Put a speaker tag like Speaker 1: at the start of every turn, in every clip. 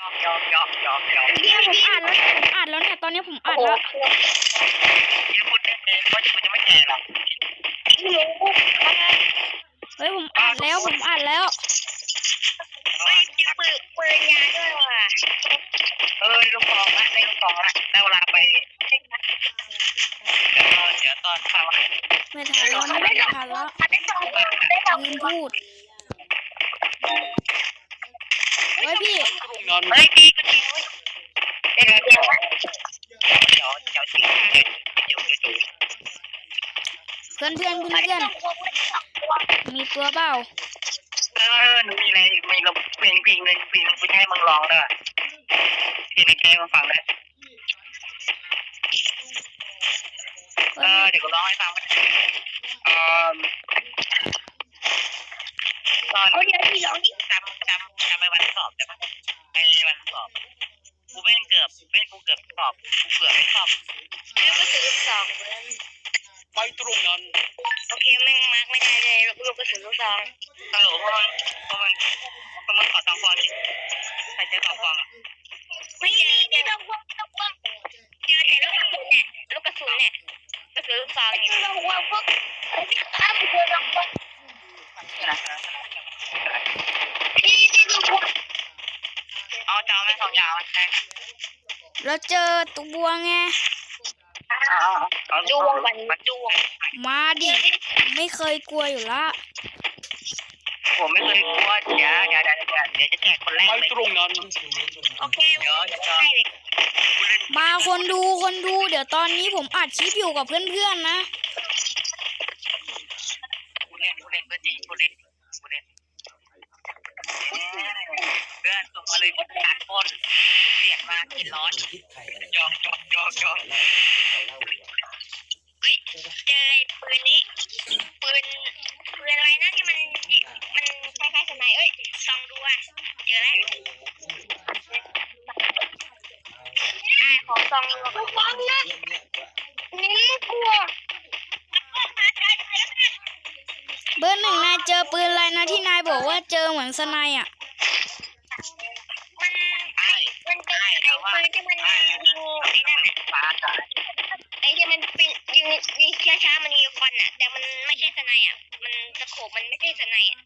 Speaker 1: เนี่ยผมอ่านแล้วเนี่ยตอนนี้ผมอ่านแล้วเฮ้ยผมอ่านแล้ว
Speaker 2: เฮ้ยมีปืนยาด้วยว่ะลูกฟองละได้ลูกฟองละได้เวลาไปเดี๋ยวตอนฟัง
Speaker 1: ไม่ทันแล้วไม่ทันแล้ว
Speaker 2: ได้สองได้สอง
Speaker 1: ยืนพูดเฮ้ยพี่
Speaker 2: เฮ้ยพี่ก็ดีเดี๋ยวจริง
Speaker 1: เพื่อนมีตัวเปล่า
Speaker 2: หนูมีอะไรมีลมเพลงหนึ่งกูจะให้มึงร้องด้วยเพลงในแกมาฟังเลยเดี๋ยวกูร้องให้ฟังตอนเดี๋ยวพี่ร้องดิจำไปวันสอบได้ปะไอ้วันสอบกูเกือบสอบกูเกือบไม่สอบแล้วก็ซื้อสอบไปตรงนั้นโอเคแม่งมาร์กไม่ได้เลยลูกกระสุนลูกซองฮัลโหลพวกมันขอซองฟอนดิใครเจอซองฟอนไม่เจอเจอลูกกระสุนเนี่ยลูกกระสุนลูกซองเนี่ยพวกพี่ข้ามเจอลูกฟอนเอาเจ้าแม่สองยาวใช่
Speaker 1: เราเจอตัวไง
Speaker 2: ดูวง
Speaker 1: มาดิไม่เคยกลัวอยู่ละ
Speaker 2: ผมไม่เคยกลัวเดี๋ยวจะแจกคนแรกเลยตรงนั้นโอเคเดี๋ยว
Speaker 1: มาคนดูเดี๋ยวตอนนี้ผมอัดคลิปอยู่กับเพื่อนๆนะ
Speaker 2: ผู้เล่นเพื่อนจริงผู้เล่นเพื่อนส่งมาเลยการปล้นเรียกมากินร้อนยอกเฮ้ยเจอปืนนี้ปืนอะไรนะที่มันคล้ายๆสไนเอ้ยซองดูอ่ะเจอแล้วของซองฟังนะนี่กลัว
Speaker 1: เบอร์หนึ่งนายเจอปืนอะไรนะที่นายบอกว่าเจอเหมือนสไนอ่ะ
Speaker 2: มันเป็นไอ้ปืนที่มันยิงไอ้ที่มันเป็นยิงช้าๆมันยิงควันอ่ะแต่มันไม่ใช่สไนอ่ะมันตะโขบมันไม่ใช่สไนอ่ะ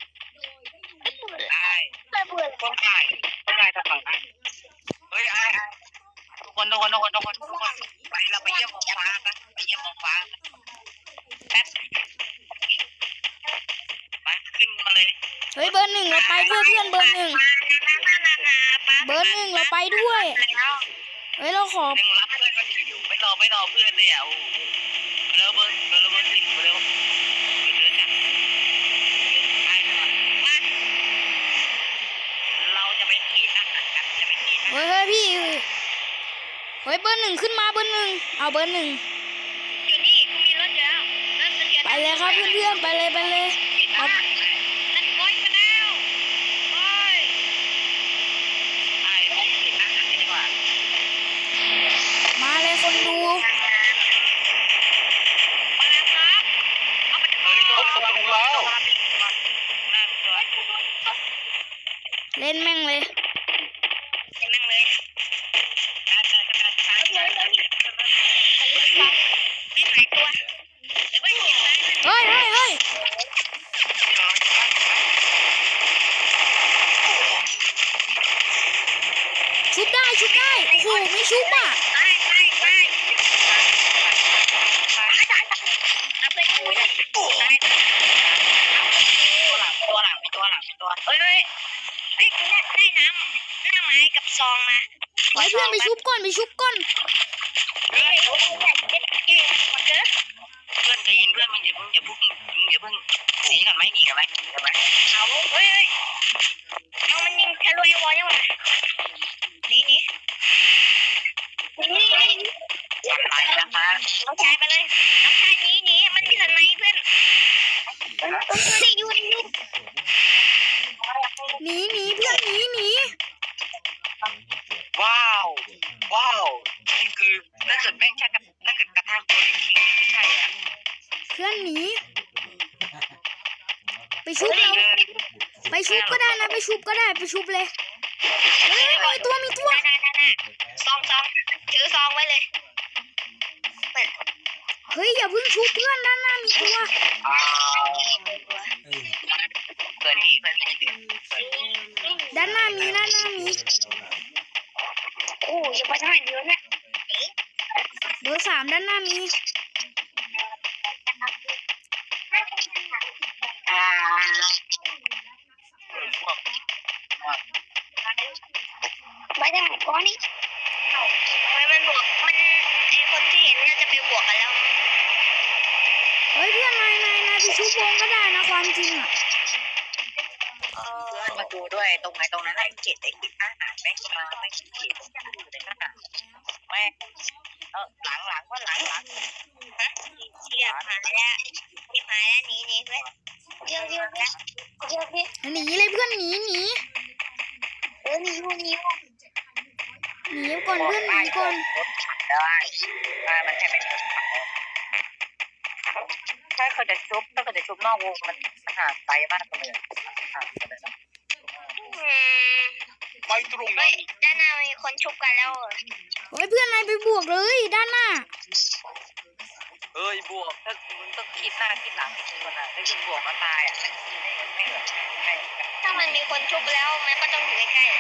Speaker 2: ต้องตายจะฟังเฮ้ยทุกคนไปเราไปเยี่ยมมองฟ้ากันแป๊บไปขึ้นมาเลย
Speaker 1: เฮ้ยเบอร์หนึ่งเราไปด้วยเพื่อนเบอร์หนึ่งเราไปด้วยเฮ้ยเราขอ
Speaker 2: รับเพื่อนอยู่ไม่รอเพื่อนเลยอ่ะเบอร์สิเร็วเราจะไปขี่ทหารกัน
Speaker 1: เฮ้ยพี่เฮ้ยเบอร์หนึ่งขึ้นมาเบอร์หนึ่งเอาเบอร์หนึ่ง
Speaker 2: อยู่นี่มีรถแล้ว
Speaker 1: ไปเลยครับเพื่อนไปเลย
Speaker 2: ไปแล้ว
Speaker 1: มาเลยคนดูเล่นแม่งเลยเฮ้ยชุบได้โอ้โหไม่ชุบอ่ะ
Speaker 2: ตัวเฮ้ยกูได้น้ำไม้กับซองมา
Speaker 1: เฮ้ยเพื่อนไปชุบก่อน
Speaker 2: เพื่อนใจเย็นเพื่อนมึงอย่าเพิ่งหนีกันไหมเอาเฮ้ยเอามันยิงทะลุไอ้วอลยังวะนี่ไปนะคะน้องชายไปเลยน้องชายหนีมันที่สนเพื่อนอยู่
Speaker 1: หนีเพื่อนหนี
Speaker 2: ว้าวนี่คือถ้าเกิดแม่งใช่ถ้าเกิดกระทำตัวจริงใช่อะ
Speaker 1: เพื่อนหนีไปชุบก็ได้นะไปชุบเลยเฮ้ยมี
Speaker 3: ซองถือซองไว้เลย
Speaker 1: เฮ้ยอย่าเพิ่งชุบเพื่อนด้านหน้ามีตัว
Speaker 2: เกิดที่เพื่อน
Speaker 1: ด้านหน้ามี
Speaker 3: โอ้ยไปทางไหนเดียวเนี่ย
Speaker 1: เบอร์สามด้านหน้ามี
Speaker 3: ไปทางไหนก้อนนี่มันบวกมันไอคนที่เห็นเนี่ยจะไปบวกกันแล้ว
Speaker 1: เฮ้ยเพื่อนนายไปชุบวงก็ได้นะความจริงอ่ะ
Speaker 2: เพื่อนมาดูด้วยตรงไหนตรงนั้นไอ้เกตอาหารไม่มาไม่เกตอยู่ในขนาดแม่หลังว่าหลัง
Speaker 3: เทียบหายแล้วหนีเพื่อนเดี๋ยว
Speaker 1: หนีเลยเพื่อนหนี
Speaker 3: หนี
Speaker 1: ก่อนเพื่อนหนีก่อน
Speaker 2: ได้มันแค่ไม่ถ้าเขาจะชุบนอกวงมันห่างไกลมากเลยไปตรงนั้น
Speaker 3: ด้านหน้ามีคนชุบกันแล้ว
Speaker 1: เฮ้ยเพื่อนนายไปบวกเลยด้านหน้า
Speaker 2: บวกถ้ามึงต้องคิดหน้าคิดหลังคนน่ะถ้าคุณบวกก็ตายอ่ะไม่เหลือ
Speaker 3: ถ้ามันมีคนชุบแล้วมันก็ต้องอยู่ใกล้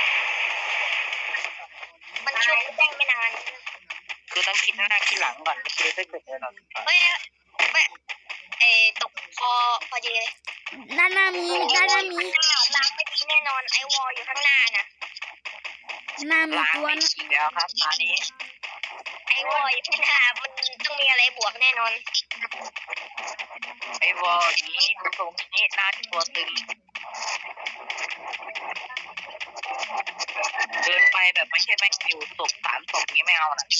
Speaker 3: ๆมันชุบได้ไม่นาน
Speaker 2: คือต้องคิดหน้าคิดหลังก่อนคือถ้าเกิดเรา
Speaker 3: เฮ้ยตกพอดีเลย
Speaker 1: ด้านหน้ามี
Speaker 3: ล้างไม่ดีแน่นอนไอวอลอยู่ข้างหน้าน่ะ
Speaker 1: หน้ามี
Speaker 2: ล้าง
Speaker 1: ตัว
Speaker 2: ไม่
Speaker 1: นะ
Speaker 2: ดีแล้วครับตอนนี้
Speaker 3: ไอวอลอยู่ข้างหน้ามันต้องมีอะไรบวกแน่นอน
Speaker 2: ไอ้วอลนี้ตรงนี้หน้าตัวตึงเดินไปแบบไม่ใช่แม่งอยู่ศพ3 ศพนี้ไม่เอานะ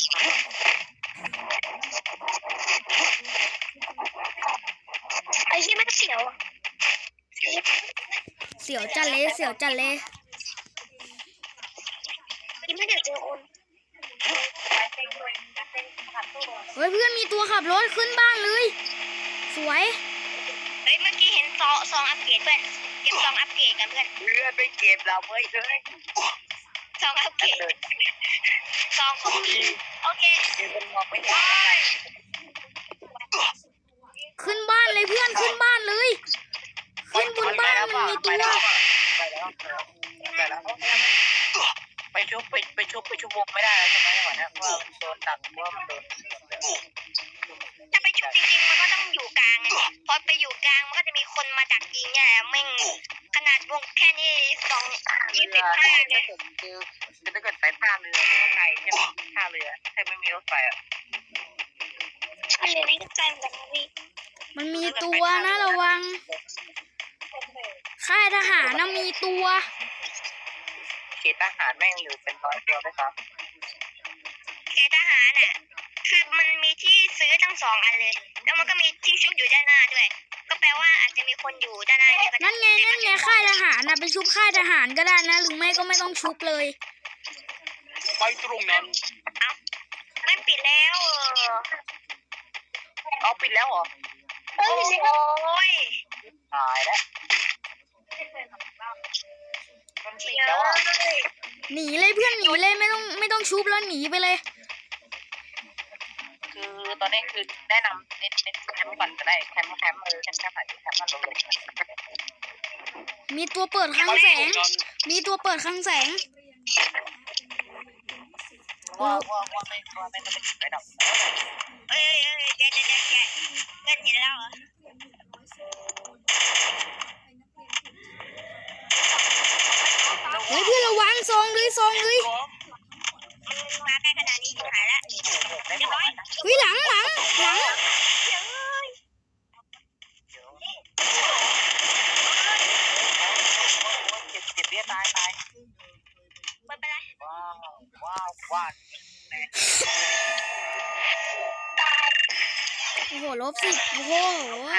Speaker 3: ไอ้ที่มันเสียว
Speaker 1: เสียวจัดเลย
Speaker 3: ที่ไม่เดี๋ยวเจอคน
Speaker 1: เฮ้ยเพื่อนมีตัวขับรถขึ้นบ้านเลยสวย
Speaker 3: เฮ้ยเมื่อกี้เห็นซองอัปเกรดเพื่อนเก็บซองอัปเกรดกันเพื่อน
Speaker 2: เพื่อนไปเก็บเราเว้ยเฮ้ย
Speaker 3: ซองอัปเกรดซองของโอเค
Speaker 2: เดี๋ยวมันมองไม่เห็น
Speaker 1: ขึ้นบ้านเลยเพื่อนขึ้นบ้านเลยขึ้นบนบ้านมันมีตัว
Speaker 2: ไปชุบวงไม่ได้แล้วใช่ไหมก่อนนะเพราะว่าโดนตัดเพราะว่ามันโดน
Speaker 3: ถ้าไปชุบจริงๆมันก็ต้องอยู่กลางไงพอไปอยู่กลางมันก็จะมีคนมาดักยิงเนี่ยแม่งขนาดวงแค่นี้25เลย
Speaker 2: คือถ้าเกิดไปท่าเรือไทยใช่ไหมท่าเรือถ้าไม่มีรถไฟอ่ะ
Speaker 3: ใช่เลยไม่ใจเหมือนกันพี่
Speaker 1: มันมีตัวนะระวังค่ายทหารนะมีตัว
Speaker 2: เขตทหารแม่งอยู่เป็น100 ตัวด้วยครับ
Speaker 3: เขตทหารน่ะคือมันมีที่ซื้อทั้ง2 อันเลยแล้วมันก็มีที่ชุบอยู่ด้านหน้าด้วยก็แปลว่าอาจจะมีคนอยู่ด้านหน้าเนี่ย
Speaker 1: นั่นไงค่ายทหารนะไปชุบค่ายทหารก็ได้นะหรือไม่ก็ไม่ต้องชุบเลย
Speaker 2: ไปตรงนั้น
Speaker 3: ไม่ปิดแล้ว
Speaker 2: เอาปิดแล้วเหรอ
Speaker 3: โอ้ย
Speaker 2: ตายแล้วมันปิดแล้วอ่ะ
Speaker 1: หนีเลยเพื่อนหนีเลยไม่ต้องชุบแล้วหนีไปเลย
Speaker 2: คือตอนนี้คือแนะนำเน้นแคมป์ก่อนก็ได้แคมป์แคมป์ไหนแคมป์มันลง
Speaker 1: มีตัวเปิดคลังแสง
Speaker 2: ว่าไม่ต้องไปจุดไปดอก
Speaker 3: เอ้ยเดี๋ยวเงินเห็นแล้วเหรอ
Speaker 1: เฮ้ยเพื่อนระวังซองเลย
Speaker 3: มาใกล้ขนาดนี้หายแล้วเรียบร้อย
Speaker 1: เฮ้ยหลัง
Speaker 2: เจ็บเบี้ยตาย
Speaker 3: ไม่เป็นไร
Speaker 2: ว้าว
Speaker 1: โอ้โหลบ10โอ้โห